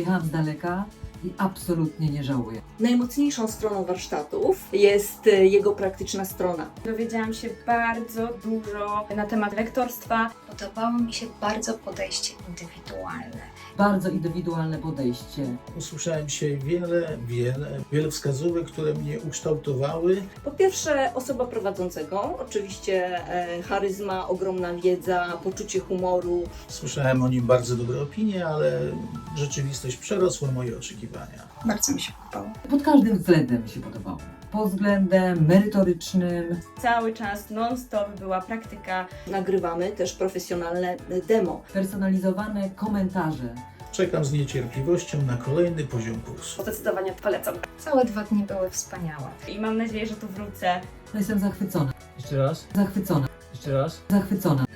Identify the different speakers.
Speaker 1: Przyjechałam z daleka i absolutnie nie żałuję.
Speaker 2: Najmocniejszą stroną warsztatów jest jego praktyczna strona.
Speaker 3: Dowiedziałam się bardzo dużo na temat lektorstwa.
Speaker 4: Podobało mi się bardzo podejście indywidualne.
Speaker 1: Bardzo indywidualne podejście.
Speaker 5: Usłyszałem dzisiaj wiele wskazówek, które mnie ukształtowały.
Speaker 2: Po pierwsze osoba prowadzącego, oczywiście charyzma, ogromna wiedza, poczucie humoru.
Speaker 5: Słyszałem o nim bardzo dobre opinie, ale rzeczywistość przerosła moje oczekiwania.
Speaker 4: Bardzo mi się podobało.
Speaker 1: Pod każdym względem mi się podobało. Pod względem merytorycznym.
Speaker 3: Cały czas non-stop była praktyka.
Speaker 2: Nagrywamy też profesjonalne demo.
Speaker 1: Personalizowane komentarze.
Speaker 5: Czekam z niecierpliwością na kolejny poziom kursu.
Speaker 3: Zdecydowanie polecam.
Speaker 4: Całe 2 dni były wspaniałe.
Speaker 3: I mam nadzieję, że tu wrócę.
Speaker 1: No jestem zachwycona.
Speaker 6: Jeszcze raz,
Speaker 1: Zachwycona.
Speaker 6: jeszcze raz.
Speaker 1: Zachwycona.